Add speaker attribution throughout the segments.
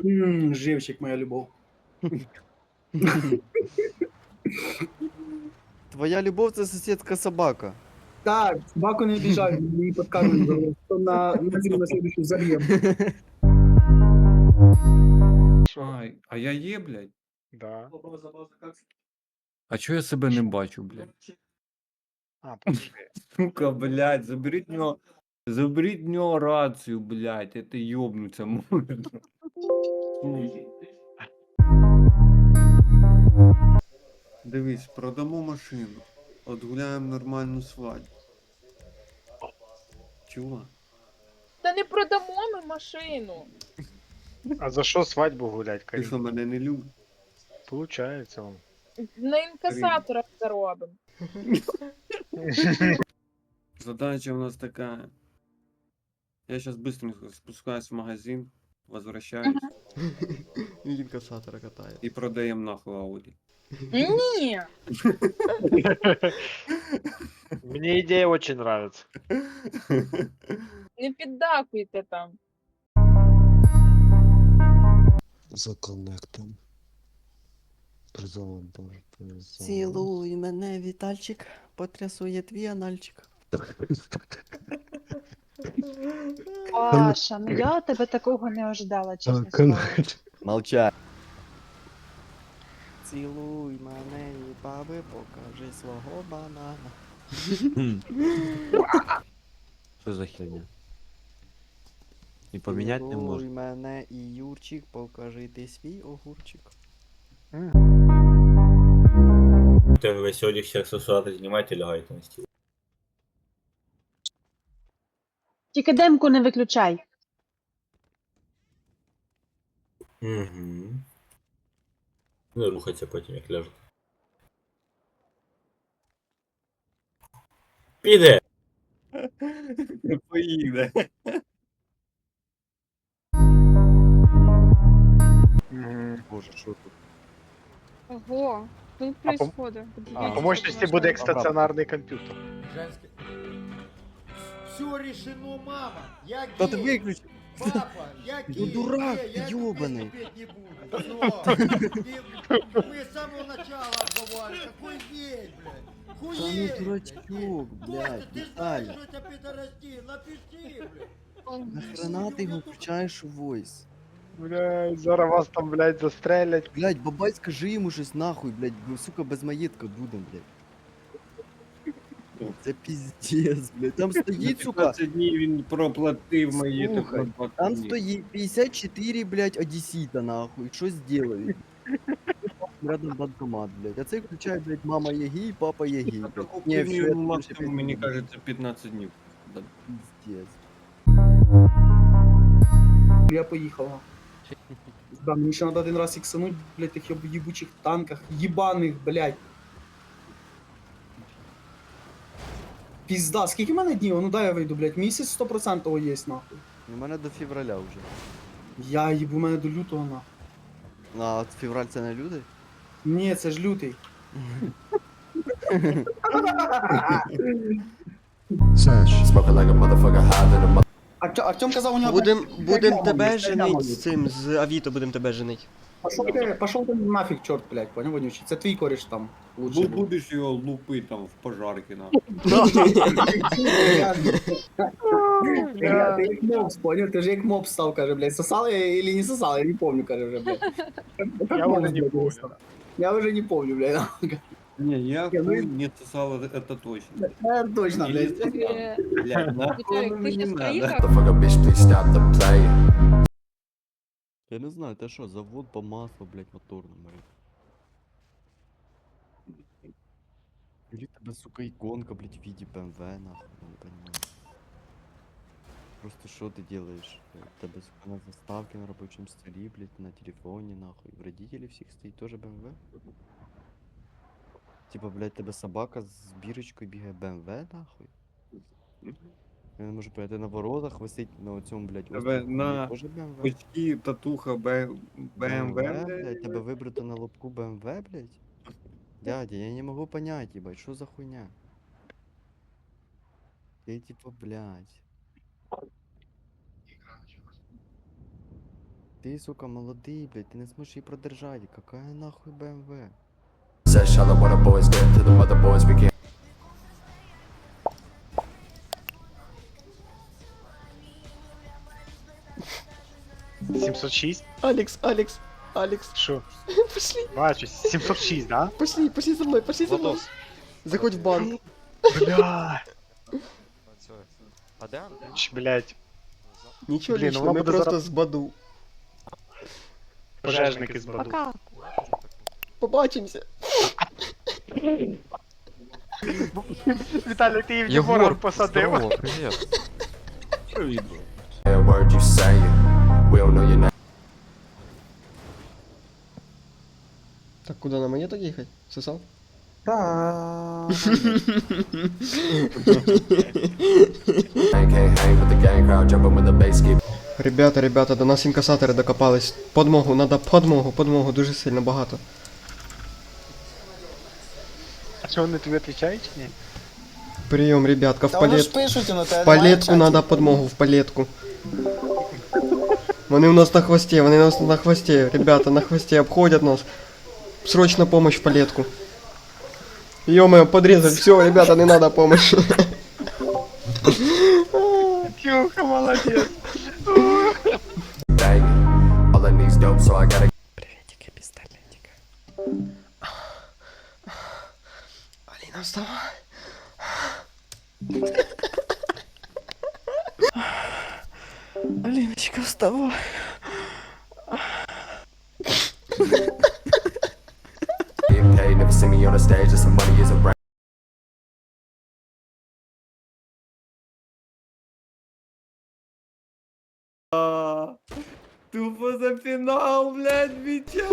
Speaker 1: Живчик, моя любов.
Speaker 2: Твоя любов це сусідська собака.
Speaker 1: Так, собаку не обижай, мы не подкармливаем. На зиму на следующую забьем.
Speaker 3: Ай, а я є, блядь?
Speaker 4: Да.
Speaker 3: А чого я себе не бачу, блядь?
Speaker 4: А, подожди.
Speaker 3: Сука, блядь, заберіть в нього рацію, блядь, это йобнуться можна. Дивись, продамо машину, отгуляємо нормальну свадьбу. Чого?
Speaker 5: Та не продамо ми машину.
Speaker 4: А за що свадьбу гулять,
Speaker 3: Ти
Speaker 4: Карін?
Speaker 3: що, мене не любиш?
Speaker 4: Получається он.
Speaker 5: На інкасаторах заробимо.
Speaker 3: Задача у нас такая. Я сейчас быстренько спускаюсь в магазин, возвращаюсь
Speaker 2: Він інкасатора катає.
Speaker 3: и продаем нахуй Ауди.
Speaker 5: Ні.
Speaker 4: Мне идея очень нравится.
Speaker 5: Не піддакуйте там.
Speaker 6: За коннектом. Призовом тоже.
Speaker 2: Цілуй мене, Вітальчик, потрясує твій анальчик.
Speaker 7: Паша, ну я тебе такого не ожидала, чесно слово.
Speaker 2: Молчать. Цілуй мене і баби, покажи свого банана.
Speaker 8: Що за херня? І поміняти не
Speaker 2: Цілуй
Speaker 8: можна.
Speaker 2: мене і Юрчик, покажи ти свій огурчик.
Speaker 9: Ви сьогодні всіх сосувати знімайте, лягайте на стіл.
Speaker 7: Тільки демку не виключай.
Speaker 9: Угу. Не рухаться потім, як ляжете. Піде!
Speaker 3: Поїде.
Speaker 2: Боже, що тут?
Speaker 10: Ого, что тут
Speaker 4: А по-
Speaker 10: происходит?
Speaker 2: А,
Speaker 4: По мощности будет стационарный компьютер.
Speaker 11: Все решено, мама. Я
Speaker 2: Та ти
Speaker 11: гей.
Speaker 2: виключи!
Speaker 11: Папа, я
Speaker 2: Ну,
Speaker 11: гей.
Speaker 2: дурак,
Speaker 11: Гей, я
Speaker 2: ёбаный.
Speaker 11: терпеть не буду. Всё. Мы с самого начала отбывали. Какой гей, блядь?
Speaker 2: Та
Speaker 11: Хуей.
Speaker 2: ну дурачок, блядь,
Speaker 11: Костя, ты знаешь,
Speaker 2: Віталій.
Speaker 11: что это пидорасти? Напиши, блядь.
Speaker 2: Нахрена ти його включаєш у войс?
Speaker 4: Блядь, зараз вас там, блядь, застрелять.
Speaker 2: Блядь, бабай, скажи йому щось нахуй, блядь, бо, сука, без маєтка будем, блядь. Це піздец, блядь. Там стоїть, сука,
Speaker 3: 15 днів він проплатив мої
Speaker 2: Слухай, там стоїть 54, блядь, одесіта, нахуй, що сделають? Рядом банкомат, блядь. А цей включає, блядь, мама є гей, папа є гей, блядь. Ні, все, я тобі ще
Speaker 3: максимум, мені
Speaker 2: пиздец.
Speaker 3: кажеться, 15 днів. Да.
Speaker 2: Пиздец.
Speaker 1: Я поїхав. Да, мені ще надо один раз іксануть, блядь, тих єбучих танках. Єбаних, блядь. Пізда, скільки в мене днів? Ну дай я вийду, блядь. Місяць 100% є, нахуй.
Speaker 2: У мене до февраля вже.
Speaker 1: Я їбу, мене до лютого, нахуй.
Speaker 2: А от февраль це не люди?
Speaker 1: Ні, це ж лютий. Артем казав, у нього...
Speaker 8: Будем тебе
Speaker 1: Є,
Speaker 8: женить
Speaker 1: є.
Speaker 8: з цим, з Авіто будем тебе женить.
Speaker 1: Пошов ти нафіг, чорт, блядь, поняв, вонючий. Це твій кореш там. Лучше був.
Speaker 3: Будеш його лупити там в пожарки, на.
Speaker 1: Ти як мопс, поняв? Ти ж як мопс став, каже, блядь. Сосали или не сосали, я не помню, каже вже, блядь.
Speaker 4: Я уже не помню.
Speaker 1: Я вже не помню, блядь.
Speaker 3: Не, я
Speaker 1: Я
Speaker 3: хуй не сосал, это точно.
Speaker 1: Точно, блядь.
Speaker 3: Блядь, нахуй
Speaker 5: Віталік,
Speaker 3: оно
Speaker 5: ти
Speaker 3: мне
Speaker 5: щас
Speaker 3: надо.
Speaker 5: приїхав?
Speaker 2: Я не знаю, це що, завод по маслу, блядь, моторному. Или тебе, сука, иконка, блядь, в виде BMW, нахуй, я не понимаю. Просто что ты делаешь? Тебе, сука, на заставке на рабочем столе, блядь, на телефоне, нахуй. В родителей всех стоит тоже BMW? Типа, блядь, тебе собака з бірочкою бігає BMW, нахуй? Я не можу понять, на воротах висить на цьому, блядь,
Speaker 3: Тебе
Speaker 2: острові,
Speaker 3: на
Speaker 2: тоже BMW?
Speaker 3: Очки, татуха, BMW,
Speaker 2: блядь, тебе вибрато на лобку BMW, блядь? Дядя, я не могу понять, ебать, что за хуйня? Ты типа, блядь. Ти, сука, молодий, блядь, ти не зможеш її продержати. Какая нахуй БМВ?
Speaker 5: Said Charlotte, what the boys did to the mother boys became.
Speaker 4: 706?
Speaker 8: Алекс, Алекс, Алекс,
Speaker 4: Що?
Speaker 8: пошли,
Speaker 4: Бачу, 706, да?
Speaker 8: пошли, пошли за мною, пошли за мною. Заходь в банк.
Speaker 4: Бля. Блять,
Speaker 8: Нічого
Speaker 4: Блін,
Speaker 8: лічного,
Speaker 4: вона
Speaker 8: ми
Speaker 4: буде
Speaker 8: просто
Speaker 4: зараз-
Speaker 8: з Баду.
Speaker 4: пожежники з Баду.
Speaker 8: Пока. Побачимося.
Speaker 4: Віталій, ти її в Єгора посадив.
Speaker 8: привіт.
Speaker 5: Every word you say, we don't know your name.
Speaker 8: Так, куди нам мені так їхати? Сосав?
Speaker 1: Та.
Speaker 5: Can't hang with the gang crowd, jumping with the bass keep.
Speaker 8: Ребята, до нас інкасатори докопались. Подмогу, надо подмогу, дуже сильно багато.
Speaker 4: А що вони тобі відповідають чи ні?
Speaker 8: Прийом, ребятка, в палет...
Speaker 1: пишуть, ну
Speaker 8: В палетку надо подмогу, в палетку. Вони у нас на хвосте, вони у нас на хвосте, ребята, на хвосте обходят нас. Срочно помощь в палетку. Ё-моё, подрезать, все, ребята, не надо помощи.
Speaker 4: Кюха, молодець.
Speaker 5: Bang. All I need's dope, so I gotta.
Speaker 8: Приветики, пистолетик. Алина, вставай. Алиночка, вставай.
Speaker 5: Get paid, never see me on the stage, just some money is a brand.
Speaker 3: Тупо за фінал, блядь, Вітя!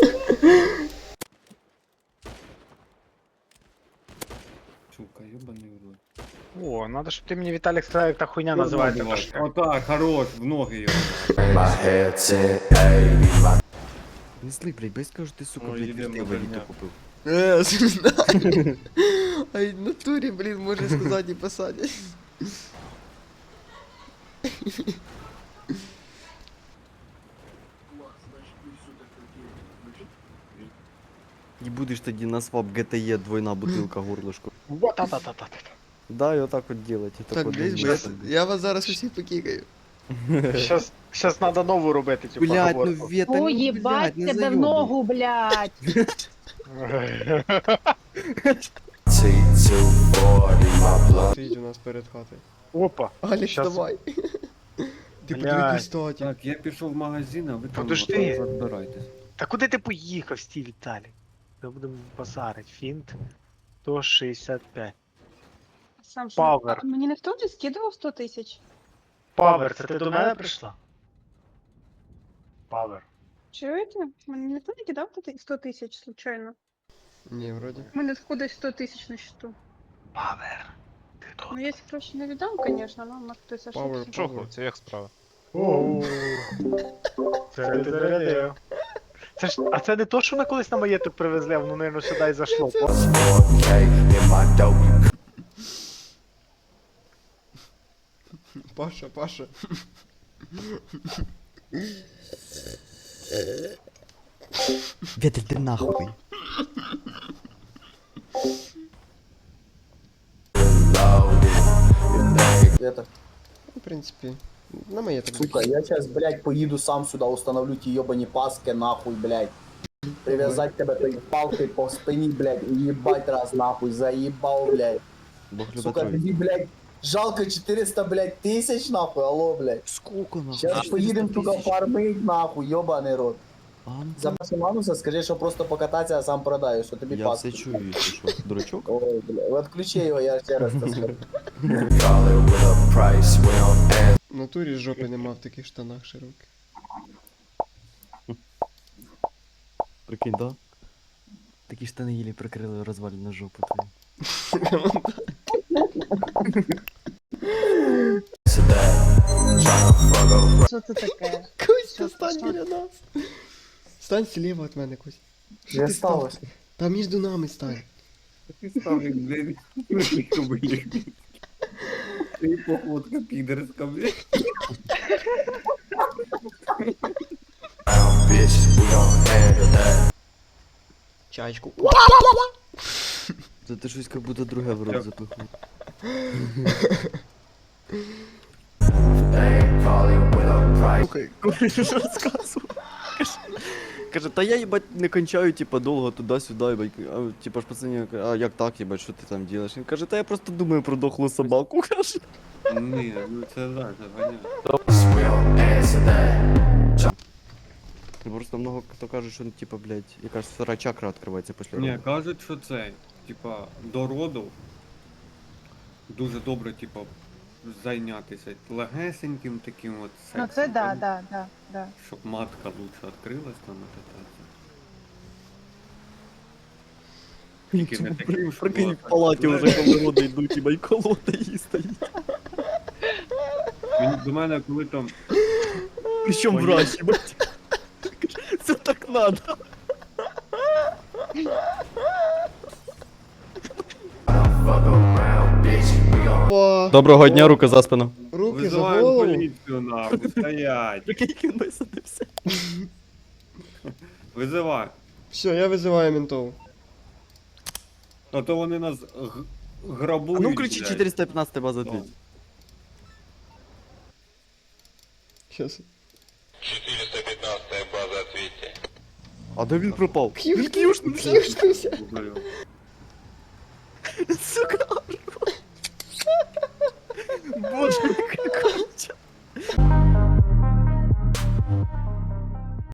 Speaker 3: Сука, ёбаний в рот.
Speaker 4: О, надо, щоб ти мені, Віталік, сказав, як та хуйня називається.
Speaker 3: Отак, хорош, в ноги його.
Speaker 5: My head said, hey, my
Speaker 2: Не зли, блядь, бо я скажу, ти, сука,
Speaker 3: Ой,
Speaker 2: блядь,
Speaker 3: йдемо
Speaker 2: вертив
Speaker 3: на
Speaker 2: еліту
Speaker 3: дня.
Speaker 2: купив.
Speaker 8: Ай, в натурі, блін, може сказати і посадять.
Speaker 2: І будеш тоді на свап GTE двойна бутилка горлышко.
Speaker 4: Вот, та-та-та-та.
Speaker 2: Да, і отак от делать. і
Speaker 8: Так,
Speaker 2: от
Speaker 8: десь,
Speaker 2: делать.
Speaker 8: я вас зараз усіх покікаю.
Speaker 4: Щас треба нову робити цю
Speaker 2: Блядь, ну
Speaker 4: поговорку.
Speaker 2: Вета,
Speaker 7: О,
Speaker 2: ну,
Speaker 7: їбать
Speaker 2: блядь, не
Speaker 7: тебе в
Speaker 2: зайобуй.
Speaker 7: ногу, блядь.
Speaker 5: T240, my blood.
Speaker 8: Стоїть у нас перед хатою.
Speaker 4: Опа.
Speaker 8: Алекс,
Speaker 4: Щас.
Speaker 8: давай. Ти
Speaker 4: Блядь.
Speaker 8: подивись, статі.
Speaker 3: Так, я пішов в магазин, а ви там
Speaker 4: Подожди.
Speaker 3: розбирайтесь.
Speaker 4: Та куди ти поїхав, стій, Віталік? Ми будемо базарить. Фінт 165.
Speaker 10: Сам
Speaker 4: Павер.
Speaker 10: А мені ніхто не скидував 100 тисяч?
Speaker 4: Павер, це ти до мене прийшла? Павер.
Speaker 10: Чуєте? Мені ніхто не кидав 100 тисяч, случайно.
Speaker 8: Ні, вроді.
Speaker 10: У мене ходить 100 тисяч на счету.
Speaker 4: Павер. Ти тут.
Speaker 10: Ну, якщо гроші не віддам, звісно, але може хтось
Speaker 8: Power,
Speaker 10: ошибся.
Speaker 8: power.
Speaker 11: Це як справа?
Speaker 4: Це ж, а це не то, що ми колись на маєток привезли, а воно, мабуть, сюди і зайшло.
Speaker 5: 4K in my dope. You
Speaker 8: Паша.
Speaker 2: Вета, ти нахуй.
Speaker 1: Это,
Speaker 8: В принципі, на моє так.
Speaker 1: сука, я сейчас, блядь, поеду сам сюда, установлю те ебани паски, нахуй, блядь. Привязать тебя той палкой по спине, блядь, и ебать раз, нахуй, заебал, блядь.
Speaker 2: Бог любить
Speaker 1: Сука,
Speaker 2: троїць.
Speaker 1: тебе, блядь, жалко 400, блядь, тысяч, нахуй, алло, блядь.
Speaker 2: Сколько нахуй?
Speaker 1: Сейчас поедем, сука, фармить, нахуй, ебаный рот.
Speaker 2: А, ну,
Speaker 1: За Мануса скажи, що просто покататися, а сам продаю, що тобі
Speaker 2: я
Speaker 1: паски.
Speaker 2: все чую, якщо що. Дурачок?
Speaker 1: Ой, бля, отключи його, я ще раз це скажу.
Speaker 5: call it with a price. We don't answer.
Speaker 8: В натурі жопи нема в таких штанах широких.
Speaker 2: Прикинь, да? Такі штани їлі прикрили розвалену жопу твою.
Speaker 5: To that. Tryna fuck up.
Speaker 7: Що це таке?
Speaker 8: Костя, стань біля нас. Стань слева від мене, Костя. Що
Speaker 1: Не
Speaker 8: ти став?
Speaker 1: сталося.
Speaker 8: Та між нами стань.
Speaker 3: Ти ставлю, блядь, блядь. Ти походка підерська, блядь.
Speaker 8: Чайку.
Speaker 2: Це ти щось як будто друге в рот запихнув. Слухай, кореш розказував. Каже, та я, їбать, не кончаю, типа, довго туди-сюди, їбать. А, типа ж пацані, а як так, їбать, що ти там робиш? Він каже, та я просто думаю про дохлу собаку, каже.
Speaker 3: Ні, ну це так, це понятно.
Speaker 2: Просто много хто каже, що, типа, блядь, якась втора чакра відкривається після
Speaker 3: Ні,
Speaker 2: роду.
Speaker 3: кажуть, що це, типа, до роду дуже добре, типа, зайнятися легесеньким таким от сексом.
Speaker 10: Ну це да,
Speaker 3: там,
Speaker 10: да.
Speaker 3: Щоб матка лучше відкрилась там і так. Тільки не таким, щоб
Speaker 2: Прикинь,
Speaker 3: було
Speaker 2: в палаті
Speaker 3: так,
Speaker 2: вже коли роди йдуть, їбать, колода її стоїть.
Speaker 3: Він до мене, коли там
Speaker 2: Причому
Speaker 3: Понятно.
Speaker 2: врач, їбать. Це так надо. Доброго дня, руки за спину.
Speaker 8: Руки за
Speaker 3: визиваємо
Speaker 8: голову.
Speaker 3: поліцію нахуй, стоять.
Speaker 2: Прикинь, він висадився.
Speaker 3: Визивай.
Speaker 8: Все, я вызываю ментов.
Speaker 3: А то вони нас грабують.
Speaker 2: А ну включи
Speaker 3: блядь.
Speaker 2: 415 база
Speaker 3: О.
Speaker 2: 2.
Speaker 8: Сейчас.
Speaker 5: 415 база, ответьте.
Speaker 2: А де він пропав?
Speaker 8: Кьюшнуся.
Speaker 3: Блядь.